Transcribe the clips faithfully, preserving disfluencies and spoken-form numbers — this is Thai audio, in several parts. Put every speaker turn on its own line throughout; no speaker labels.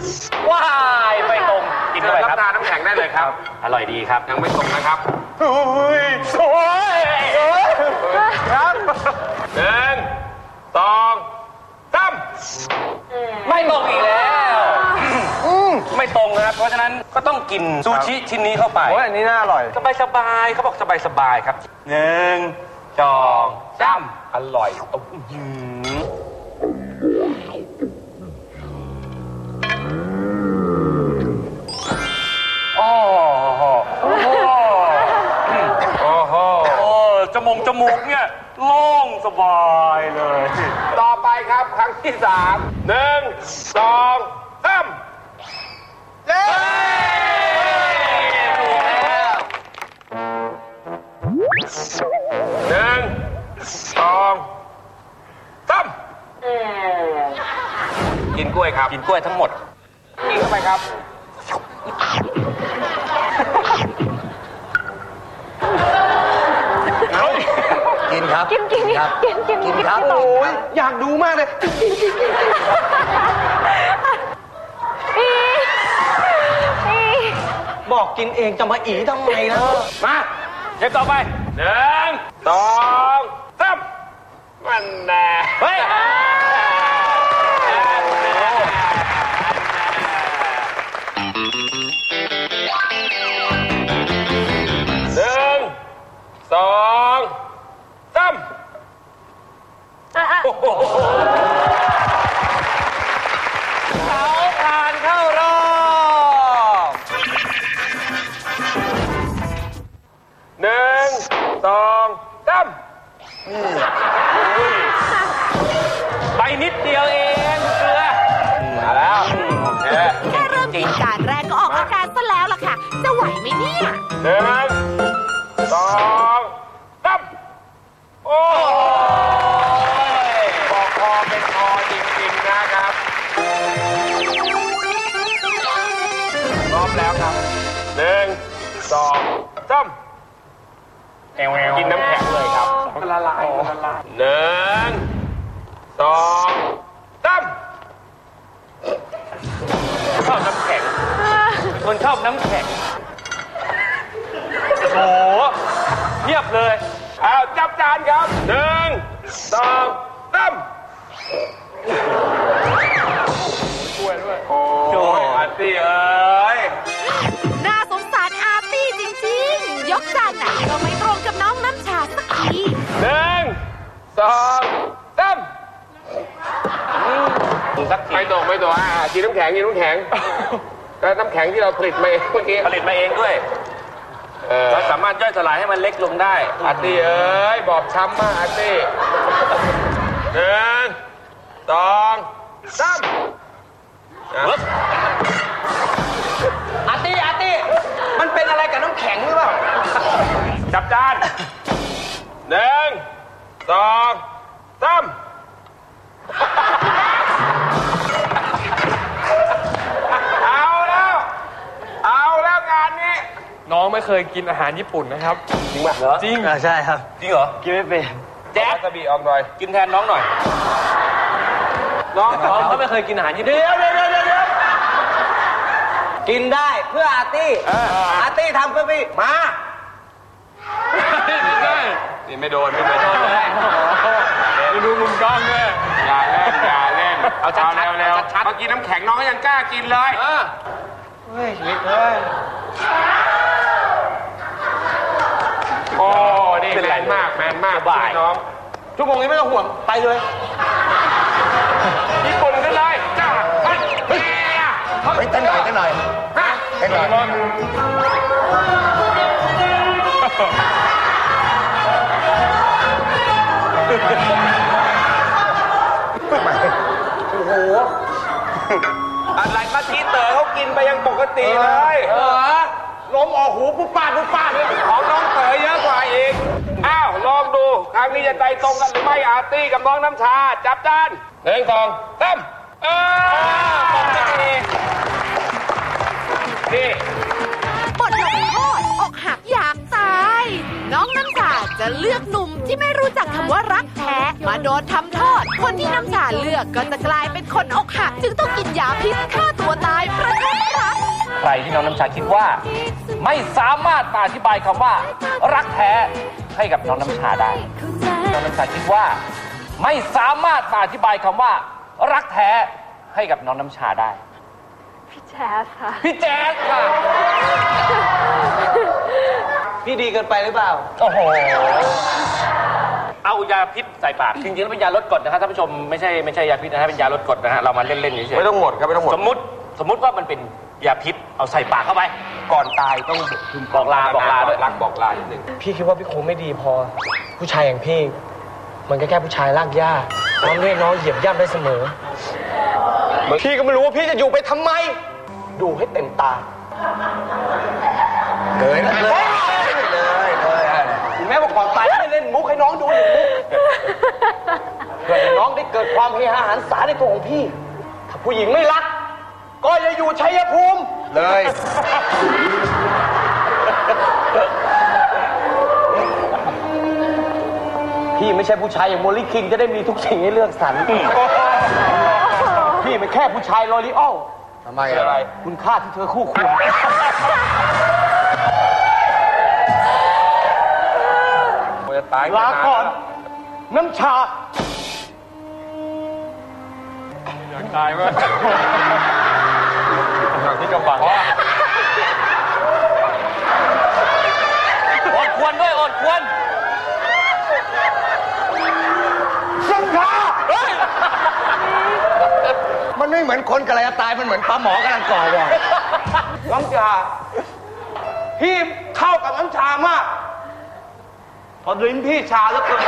ว้ายไม่ตรงกินเข้าไปครับ
น้ำแข็งได้เลยครับ
อร่อยดีครับ
ยังไม่ตรงนะครับ
โอ้ยโอ้ย
ครับหนึ่งสองสาม
ไม่ตรงอีกแล้วไม่ตรงนะครับเพราะฉะนั้นก็ต้องกินซูชิชิ้นนี้เข้าไป
โอ้ยอันนี้น่าอร่อย
สบายสบายเขาบอกสบายสบายครับหนึ่งสองสามอร่อยโอ้โหโอ้โหโอ้โหโอ้โหจมูกจมูกเนี่ยโล่งสบายเลย
ต่อไปครับครั้งที่สามหนึ่งสองสามเย้หนึ่งสองสามกินกล้วยครับ
กินกล้วยทั้งหมด
กินเข้าไปครับ
กินครับ
กินกินครับกินกิน
กินครับโอ้ยอยากดูมากเลยกินกินกินกินบอกกินเองจะมาอีทำไมนะ
มาเดี๋ยวต่อไป
หนึ่งสองสามมันแน่
เฮ้ย
หนึ่งสองสาม
เขาผ่านเข้ารอบ
หนึ่งสองสาม
ไปนิดเดียวเองเกลือ
มาแล้ว
แค่เริ่มกินการแรกก็ออกอาการซะแล้วล่ะค่ะจะไหวไหมเนี่ย
หนึ่งสองสามโอ้ยบอกคอเป็นคอจริงๆนะครับพร้อมแล้วครับหนึ่งสองสามกินน้ำแข็งเลยครับละลายละลายหนึ่งสองสาม
ชอบน้ำแข็งคนชอบน้ำแข็งโอ้โหเทียบเลย
เอาจับจานครับหนึ่งสองสามช่วยด้วยโอ้ยอาร์ตี้เอ้ย
น่าสงสารอาร์ตี้จริงๆยกจานไหนก็ไม่ตรงกับน้องน้ำชาสักที
หนึ่งสองสามไม่ตรงไม่ตรงอ่ะกินน้ำแข็งกินน้ำแข็งแล้วน้ำแข็งที่เราผลิตมาเองเมื่อกี้
ผลิตมาเองด้วยเราสามารถย่อยสลายให้มันเล็กลงได้
อาร์ตี้เอ้ยบอบช้ำมากอาร์ตี้หนึ่งสองสาม
อาร์ตี้อาร์ตี้มันเป็นอะไรกับน้ำแข็งหรือเปล่า
จับจานหนึ่งสองสามเอาแล้วเอาแล้วงานนี้
น้องไม่เคยกินอาหารญี่ปุ่นนะครับ
จริงป่ะเหรอ
จริงใช่ครับ
จริงเหรอ
กินไม่เป็น
แจ๊คกระบี่ออกหน่อย
กินแทนน้องหน่อย
น้องน้องเขาไม่เคยกินอาหารญี่ปุ่นเดี๋ยวเดี๋ยวเดี๋ยวเดี๋ยวกินได้เพื่ออาร์ตี้อาร์ตี้ทำเพื่อพี่มา
ไม่ได้นี่ไม่โดนไม่โดนเลย
ไม่ดูมุมกล้องด้วย
อย่าเล่นอย่าเล่นเอาชัดๆเร็วๆเมื่อกี้น้ำแข็งน้องก็ยังกล้ากินเลย
เฮ้ยนิดเฮ้ย
โอ้นี่แมนมากแมนมากบ่ายน้อง
ชั่วโมงนี้ไม่ต้องห่วงไปเลย
ญี่ปุ่นกันเลยจ้าเฮ้ยเฮ้ย
เต้นหน่อยเต้นหน่อย
ฮะ
เต้นหน่อย
โอ้โหอะไรมาทีเต๋อเขากินไปยังปกติเลย
เออลมออกหูปุ๊บป้าปุ๊บป้าเลย
ของน้องเต๋อเยอะกว่าอีกอ้าวลองดูครั้งนี้จะใจตรงกันหรือไม่อาร์ตี้กับน้องน้ำชาจับจานหนึ่งสองสามเออตรงนี้นี่
บทลงโทษอกหักอยากตายน้องน้ำชาจะเลือกหนุ่มที่ไม่รู้จักคำว่ารักแท้มาโดนทำโทษคนที่น้ำชาเลือกก็จะกลายเป็นคนอกหักจึงต้องกินยาพิษฆ่าตัวตายประชดรัก
ใครที่น้องน้ำชาคิดว่า ไม่สามารถมาอธิบายคำว่า รักแท้ให้กับน้องน้ำชาได้ น้องน้ำชาคิดว่า ไม่สามารถมาอธิบายคำว่า รักแท้ให้กับน้องน้ำชาได้
พี่แจ๊สค่ะ
พี่แจ๊สค่ะ
พี่ดีเกินไปหรือเปล่า
โอ้โห เอายาพิษใส่ปาก จริงๆแล้วเป็นยาลดกรดนะครับท่านผู้ชมไม่ใช่ไม่ใช่ยาพิษนะฮะเป็นยาลดกรดนะฮะเรามาเล่นๆเฉยๆ
ไม่ต้องหมดครับไม่ต้องหมด
สมมุติสมมุติว่ามันเป็นยาพิษเอาใส่ปากเข้าไป
ก่อนตายต้อง
บอกลาบอกลาด้วย
รักบอกลานิดนึง
พี่คิดว่าพี่คงไม่ดีพอ ผู้ชายอย่างพี่ มันก็แค่ผู้ชายลากหญ้าน้องเรียกน้องเหยียบย่ำได้เสมอพี่ก็ไม่รู้ว่าพี่จะอยู่ไปทำไม ดูให้เต็มตา
เลยนะเลยเลยเลย
ถึงแม้ว่าก่อนตายไม่เล่นมุกให้น้องดูหนึ่งมุกเพื่อให้น้องได้เกิดความเฮฮาหันษาในตัวของพี่ ถ้าผู้หญิงไม่รัก ก็อย่าอยู่ชัยภูมิ
เลย
พี่ไม่ใช่ผู้ชายอย่างโมลิคิงจะได้มีทุกสิ่งให้เลือกสรรพี่เป็นแค่ผู้ชายลอรีออล
ทำไมอะไร
คุณค่าที่เธอคู่ควร
จะตาย
ลาก่อน น้ำชา
อยากตายมั้ยอย่างที่กำบัง
อดควรด้วยอดควร
น้ำชามันไม่เหมือนคนกำลังจะตายมันเหมือนปลาหมอกำลังก่อวอน้ำชาพี่เข้ากับน้ำชามากพอลิ้นพี่ชาแล้วเกิน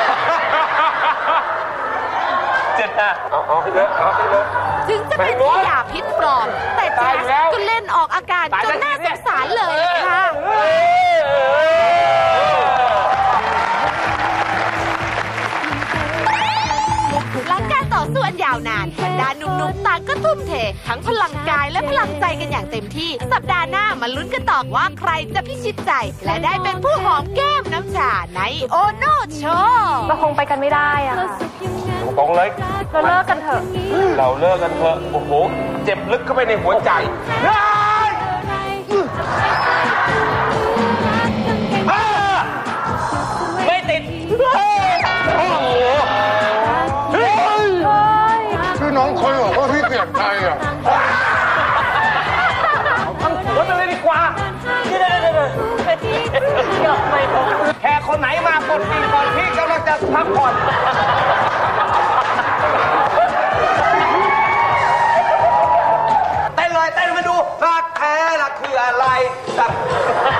เจ็ดนะ
เอาเอาให้เลยเอาให้เลย
ถึงจะเป็นยาพิษปลอม แต่แจ๊สก็เล่นออกอาการจนน่าสงสารเลยล่ะค่ะ หลังการต่อสู้อันยาวนานบรรดาหนุ่มๆต่างก็ทุ่มเท ทั้งพลังกายและพลังใจกันอย่างเต็มที่ สัปดาห์หน้ามาลุ้นกันต่อว่าใครจะพิชิตใจ และได้เป็นผู้หอมแก้มน้ำชาในโอโนโชว์
เราคงไปกันไม่ได้อะ
ตรงเลย
เราเลิกกันเถอะ
เราเลิกกันเถอะโอ้โหเจ็บลึกเข้าไปในหัวใจ
ไม่ติด
ชื่อน้องคนบอกว่าพี่เปลี่ยนใจอ่ะ
ทำหัวไปเลยดีกว่าแค่คนไหนมากดปีก่อนพี่กำลังจะพักผ่อนเต้นเลยเต้นมาดูรักแท้ล่ะคืออะไร